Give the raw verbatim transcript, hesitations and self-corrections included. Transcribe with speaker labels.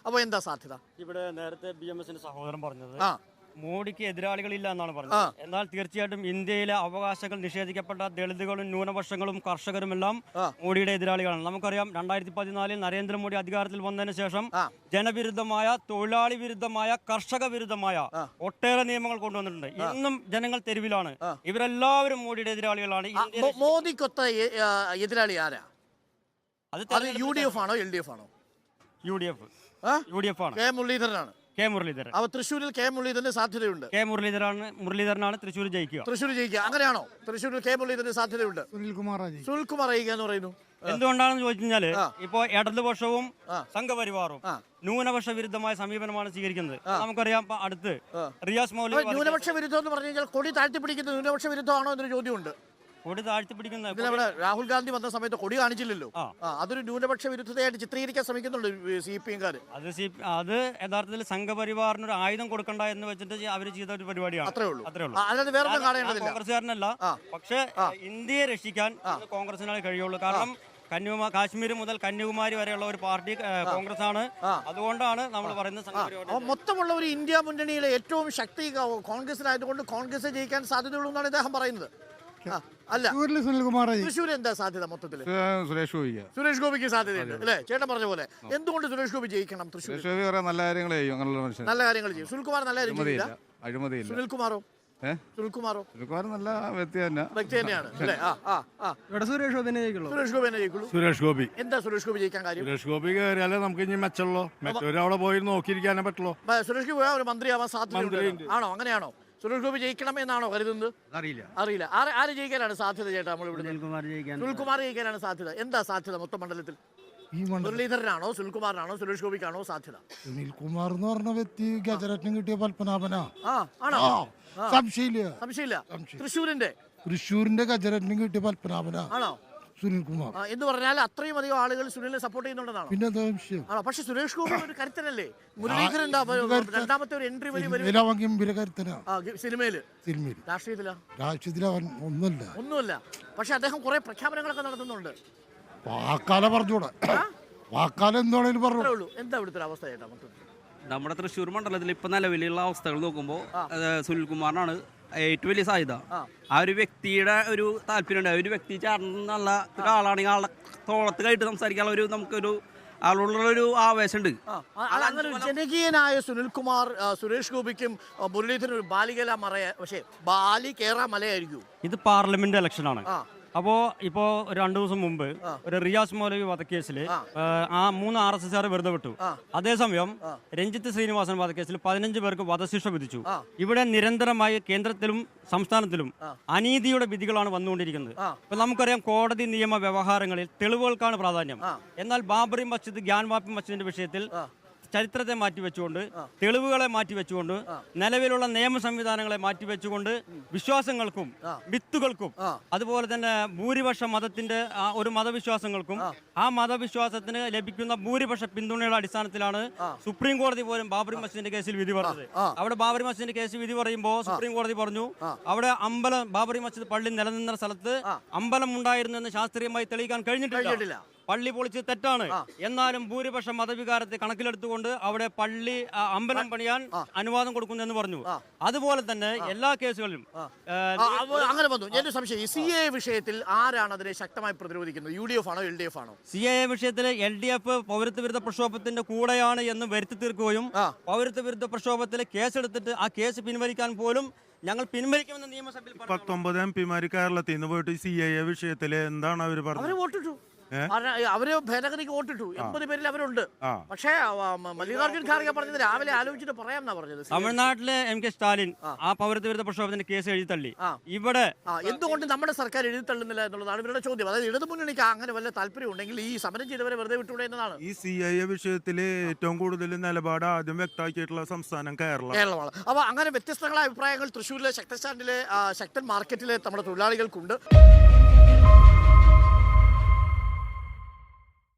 Speaker 1: അപ്പോൾ എന്താ സാധ്യത?
Speaker 2: ഇവിടെ നേരത്തെ ബി എം എസിന്റെ സഹോദരൻ പറഞ്ഞത്
Speaker 1: ആ
Speaker 2: മോഡിക്ക് എതിരാളികളില്ല എന്നാണ് പറഞ്ഞത്. എന്നാൽ തീർച്ചയായിട്ടും ഇന്ത്യയിലെ അവകാശങ്ങൾ നിഷേധിക്കപ്പെട്ട ദളിതുകളും ന്യൂനപക്ഷങ്ങളും കർഷകരുമെല്ലാം മോഡിയുടെ എതിരാളികളാണ്. നമുക്കറിയാം രണ്ടായിരത്തി പതിനാലിൽ നരേന്ദ്രമോദി അധികാരത്തിൽ വന്നതിന് ശേഷം ജനവിരുദ്ധമായ, തൊഴിലാളി വിരുദ്ധമായ, കർഷക വിരുദ്ധമായ ഒട്ടേറെ നിയമങ്ങൾ കൊണ്ടുവന്നിട്ടുണ്ട്. ഇന്നും ജനങ്ങൾ തെരുവിലാണ്. ഇവരെല്ലാവരും മോഡിയുടെ എതിരാളികളാണ്.
Speaker 1: മോദിക്കൊത്ത എതിരാളി ആരാ? അത് യു ഡി എഫ് ആണോ എൽ ഡി എഫ് ആണോ?
Speaker 2: U D F U D F ആണ്.
Speaker 1: കെ മുരളീധരനാണ്.
Speaker 2: കെ മുരളീധരൻ.
Speaker 1: അപ്പൊ തൃശ്ശൂരിൽ കെ മുരളീധരന് സാധ്യതയുണ്ട്.
Speaker 2: കെ മുരളീധരനാണ് മുരളീധരനാണ് തൃശ്ശൂർ ജയിക്കുക.
Speaker 1: തൃശ്ശൂർ ജയിക്കുക അങ്ങനെയാണോ? തൃശ്ശൂരിൽ കെ മുരളീധരന് സാധ്യതയുണ്ട്.
Speaker 3: സുനിൽകുമാർ
Speaker 1: സുനിൽകുമാർ ജയിക്കുക എന്ന് പറയുന്നു.
Speaker 2: എന്തുകൊണ്ടാണെന്ന് ചോദിച്ചു കഴിഞ്ഞാല് ഇപ്പോ ഇടതുപക്ഷവും സംഘപരിവാറും ന്യൂനപക്ഷ വിരുദ്ധമായ സമീപനമാണ് സ്വീകരിക്കുന്നത്. നമുക്കറിയാം അടുത്ത് റിയാസ് മൗലവി.
Speaker 1: ന്യൂനപക്ഷ വിരുദ്ധം എന്ന് പറഞ്ഞു കഴിഞ്ഞാൽ കൊടി താഴ്ത്തിപ്പിടിക്കുന്ന ന്യൂനപക്ഷ വിരുദ്ധമാണോ എന്നൊരു ചോദ്യമുണ്ട്.
Speaker 2: കൊടി താഴ്ത്തിപ്പിടിക്കുന്ന
Speaker 1: ഇവിടെ രാഹുൽ ഗാന്ധി വന്ന സമയത്ത് കൊടി കാണിച്ചില്ലല്ലോ. അതൊരു ന്യൂനപക്ഷ വിരുദ്ധതയായിട്ട് ചിത്രീകരിക്കാൻ ശ്രമിക്കുന്നുണ്ട് സി പി എംകാർ.
Speaker 2: അത് അത് യഥാർത്ഥത്തിൽ സംഘപരിവാറിന് ഒരു ആയുധം കൊടുക്കണ്ട എന്ന് വെച്ചിട്ട് അവർ ചെയ്ത ഒരു പരിപാടിയാണ്.
Speaker 1: അത്രേ ഉള്ളൂ.
Speaker 2: അത്രേ ഉള്ളൂ.
Speaker 1: അല്ലാതെ വേറെ കാണേണ്ടതില്ല.
Speaker 2: കോൺഗ്രസ്സുകാരനല്ല. പക്ഷേ ഇന്ത്യയെ രക്ഷിക്കാൻ കോൺഗ്രസിനാണ് കഴിയുള്ളൂ. കാരണം കന്യാകുമാരി, കാശ്മീർ മുതൽ കന്യാകുമാരി വരെയുള്ള ഒരു പാർട്ടി കോൺഗ്രസ് ആണ്. അതുകൊണ്ടാണ് നമ്മൾ പറയുന്നത്
Speaker 1: മൊത്തമുള്ള ഒരു ഇന്ത്യ മുന്നണിയിലെ ഏറ്റവും ശക്തി കോൺഗ്രസിനായതുകൊണ്ട് കോൺഗ്രസ് ജയിക്കാൻ സാധ്യതയുള്ളൂ എന്നാണ് ഇദ്ദേഹം പറയുന്നത്. അല്ല,
Speaker 3: സുനിൽകുമാർ.
Speaker 1: തൃശ്ശൂർ എന്താ സാധ്യത? മൊത്തത്തിൽ
Speaker 3: സുരേഷ് ഗോപി
Speaker 1: സുരേഷ് ഗോപിക്ക് സാധ്യതയുണ്ട് അല്ലേ? ചേട്ടൻ പറഞ്ഞ പോലെ എന്തുകൊണ്ട് സുരേഷ് ഗോപി ജയിക്കണം? തൃശ്ശൂർ
Speaker 3: നല്ല കാര്യങ്ങൾ ചെയ്യും.
Speaker 1: നല്ല കാര്യങ്ങൾ ചെയ്യും. സുനിൽകുമാർ നല്ല കാര്യം ചെയ്യില്ല.
Speaker 3: അഴിമതിയില്ല.
Speaker 1: സുനിൽകുമാറോ? സുനിൽകുമാറോ
Speaker 3: സുനിൽകുമാർ നല്ല വ്യക്തി തന്നെ
Speaker 1: വ്യക്തി തന്നെയാണ് അല്ലേ?
Speaker 3: ഇവിടെ സുരേഷ് ഗോപി ജയിക്കുള്ളൂ.
Speaker 1: സുരേഷ് ഗോപി തന്നെ ജയിക്കുള്ളൂ.
Speaker 3: സുരേഷ് ഗോപി
Speaker 1: എന്താ സുരേഷ് ഗോപി ജയിക്കാൻ കാര്യം?
Speaker 3: സുരേഷ് ഗോപി കയറിയാലേ നമുക്ക് ഇനി മെച്ചമുള്ളൂ. മറ്റൊരു അവിടെ പോയി നോക്കിയിരിക്കാനേ പറ്റുള്ളൂ.
Speaker 1: സുരേഷ് ഗോപി ഒരു മന്ത്രിയാവാൻ സാധ്യത ആണോ? അങ്ങനെയാണോ? സുരേഷ് ഗോപി ജയിക്കണം എന്നാണോ കരുതുന്നത്?
Speaker 3: അറിയില്ല
Speaker 1: അറിയില്ല ആര് ആര് ജയിക്കാനാണ് സാധ്യത ചേട്ടാ? നമ്മളിവിടെ സുനിൽകുമാർ ജയിക്കാനാണ് സാധ്യത. എന്താ സാധ്യത മൊത്തം മണ്ഡലത്തിൽ? മുരളീധരനാണോ സുനിൽകുമാറിനാണോ സുരേഷ് ഗോപിക്കാണോ സാധ്യത?
Speaker 3: സുനിൽകുമാർ എന്ന് പറഞ്ഞ വ്യക്തി ഗജരത്നം കിട്ടിയ പത്മനാഭനാ.
Speaker 1: ആണോ?
Speaker 3: സംശയമില്ല.
Speaker 1: സംശയമില്ല. തൃശ്ശൂരിന്റെ
Speaker 3: തൃശ്ശൂരിന്റെ ഗജരത്നം കിട്ടിയ പത്മനാഭനാ
Speaker 1: ആണോ
Speaker 3: സുനിൽകുമാർ
Speaker 1: എന്ന് പറഞ്ഞാൽ അത്രയും അധികം ആളുകൾ സുനിലിനെ സപ്പോർട്ട് ചെയ്യുന്നുണ്ടെന്നാണ്.
Speaker 3: പിന്നെ
Speaker 1: ആണോ? പക്ഷെ സുരേഷ് ഗോപി ഒരു കരുത്തനല്ലേ? മുരളീധരൻ രണ്ടാമത്തെ ഒരു എൻട്രി വലിയ
Speaker 3: കരുത്തനാ
Speaker 1: സിനിമയില്. രാഷ്ട്രീയത്തിലാ?
Speaker 3: രാഷ്ട്രീയത്തിൽ അവൻ ഒന്നുമില്ല
Speaker 1: ഒന്നുമില്ല. പക്ഷെ അദ്ദേഹം കുറെ പ്രഖ്യാപനങ്ങളൊക്കെ നടത്തുന്നുണ്ട്.
Speaker 3: വാക്കാല പറഞ്ഞൂടെ? വാക്കാലം എന്താണേലും പറഞ്ഞു.
Speaker 1: എന്താ ഇവിടുത്തെ ഒരു അവസ്ഥ ചേട്ടാ മൊത്തത്തിൽ?
Speaker 4: നമ്മുടെ തൃശ്ശൂർ മണ്ഡലത്തിൽ ഇപ്പൊ നിലവിലുള്ള അവസ്ഥകൾ നോക്കുമ്പോൾ സുനിൽകുമാറിനാണ് ഏറ്റവും വലിയ സാധ്യത. ആ ഒരു വ്യക്തിയുടെ ഒരു താല്പര്യമുണ്ട്. ആ ഒരു വ്യക്തി ചേർന്നുള്ള ഒരാളാണെങ്കിൽ ആളെ തോളത്ത് കഴിഞ്ഞിട്ട് സംസാരിക്കാനുള്ള ഒരു നമുക്കൊരു ആളുള്ള ഒരു ആവേശമുണ്ട്.
Speaker 1: അങ്ങനെ ജനകീയനായ സുനിൽകുമാർ സുരേഷ് ഗോപിക്കും മുരളീധരനും ഒരു ബാലികല മറയ, പക്ഷേ ബാലി കേറാ മലയായിരിക്കും.
Speaker 2: ഇത് പാർലമെന്റ് ഇലക്ഷൻ ആണ്. അപ്പോൾ ഇപ്പോൾ രണ്ടു ദിവസം മുമ്പ് ഒരു റിയാസ് മൗലവി വധക്കേസിൽ ആ മൂന്ന് ആർ എസ് എസ് ആർ വെറുതെ വിട്ടു. അതേസമയം രഞ്ജിത്ത് ശ്രീനിവാസൻ വധക്കേസിൽ പതിനഞ്ച് പേർക്ക് വധശിക്ഷ വിധിച്ചു. ഇവിടെ നിരന്തരമായി കേന്ദ്രത്തിലും സംസ്ഥാനത്തിലും അനീതിയുടെ വിധികളാണ് വന്നുകൊണ്ടിരിക്കുന്നത്. ഇപ്പൊ നമുക്കറിയാം കോടതി നിയമ വ്യവഹാരങ്ങളിൽ തെളിവുകൾക്കാണ് പ്രാധാന്യം. എന്നാൽ ബാബറി മസ്ജിദ്, ഗ്യാൻവാപ്പി മസ്ജിദിന്റെ വിഷയത്തിൽ ചരിത്രത്തെ മാറ്റിവെച്ചുകൊണ്ട്, തെളിവുകളെ മാറ്റിവെച്ചുകൊണ്ട്, നിലവിലുള്ള നിയമ സംവിധാനങ്ങളെ മാറ്റിവെച്ചുകൊണ്ട് വിശ്വാസങ്ങൾക്കും വിത്തുകൾക്കും അതുപോലെ തന്നെ ഭൂരിപക്ഷ മതത്തിന്റെ ഒരു മതവിശ്വാസങ്ങൾക്കും ആ മതവിശ്വാസത്തിന് ലഭിക്കുന്ന ഭൂരിപക്ഷ പിന്തുണയുടെ അടിസ്ഥാനത്തിലാണ് സുപ്രീം കോടതി പോലും ബാബറി മസ്ജിദിന്റെ കേസിൽ വിധി പറഞ്ഞത്. അവിടെ ബാബറി മസ്ജിദിന്റെ കേസ് വിധി പറയുമ്പോൾ സുപ്രീം കോടതി പറഞ്ഞു അവിടെ അമ്പലം, ബാബറി മസ്ജിദ് പള്ളി നിലനിന്ന സ്ഥലത്ത് അമ്പലം ഉണ്ടായിരുന്നു എന്ന് ശാസ്ത്രീയമായി തെളിയിക്കാൻ കഴിഞ്ഞിട്ടില്ല. പള്ളി പൊളിച്ച് തെറ്റാണ്. എന്നാലും ഭൂരിപക്ഷ മതവികാരത്തെ കണക്കിലെടുത്തുകൊണ്ട് അവിടെ പള്ളി, അമ്പലം പണിയാൻ അനുവാദം കൊടുക്കുന്നു എന്ന് പറഞ്ഞു. അതുപോലെ തന്നെ എല്ലാ കേസുകളിലും
Speaker 1: അങ്ങനെ വന്നു. എന്റെ സംശയം, സി എ വിഷയത്തിൽ ആരാണ് അതിനെ ശക്തമായി പ്രതിരോധിക്കുന്നത്? യു ഡി എഫ് ആണോ എൽ ഡി എഫ് ആണോ?
Speaker 2: സി എ വിഷയത്തിൽ എൽ ഡി എഫ് പൗരത്വ വിരുദ്ധ പ്രക്ഷോഭത്തിന്റെ കൂടെയാണ് എന്ന് വരുത്തി തീർക്കുകയും പൗരത്വ വിരുദ്ധ പ്രക്ഷോഭത്തിൽ കേസെടുത്തിട്ട് ആ കേസ് പിൻവലിക്കാൻ പോലും ഞങ്ങൾ പിൻവലിക്കുമെന്ന് നിയമസഭയിൽ
Speaker 5: പത്തൊമ്പത് എം പിമാര് കേരളത്തിൽ നിന്ന് പോയിട്ട് സി എ വിഷയത്തില് എന്താണ് അവർ പറഞ്ഞത്?
Speaker 1: വോട്ടിട്ടു. അവര് ഭേദഗതിക്ക് വോട്ടിട്ടു. എൺപത് പേരിൽ അവരുണ്ട്. പക്ഷേ മല്ലികാർജുൻ ഖാർഗെ പറഞ്ഞത് രാവിലെ ആലോചിച്ചിട്ട് പറയാമെന്നാ പറഞ്ഞത്.
Speaker 2: തമിഴ്നാട്ടിലെ എം കെ സ്റ്റാലിൻ ആ പൗരത്വ വിരുദ്ധ പ്രക്ഷോഭത്തിന്റെ കേസ് എഴുതി തള്ളി. ഇവിടെ
Speaker 1: എന്തുകൊണ്ട് നമ്മുടെ സർക്കാർ എഴുതി തള്ളുന്നില്ല എന്നുള്ളതാണ് ഇവരുടെ ചോദ്യം. അതായത് ഇടതു മുന്നണിക്ക് അങ്ങനെ വല്ല താല്പര്യം ഉണ്ടെങ്കിൽ ഈ സമരം ചെയ്തവരെ വെറുതെ വിട്ടുകൂടെ എന്നതാണ്.
Speaker 5: ഈ സി ഐ എ വിഷയത്തില് ഏറ്റവും കൂടുതൽ നിലപാട് ആദ്യം വ്യക്തമാക്കിയിട്ടുള്ള സംസ്ഥാനം കേരളം
Speaker 1: കേരളമാണ്. അപ്പൊ അങ്ങനെ വ്യത്യസ്തങ്ങളായ അഭിപ്രായങ്ങൾ തൃശ്ശൂരിലെ ശക്തൻ സ്റ്റാൻഡിലെ ശക്തൻ മാർക്കറ്റിലെ നമ്മുടെ തൊഴിലാളികൾക്കുണ്ട്.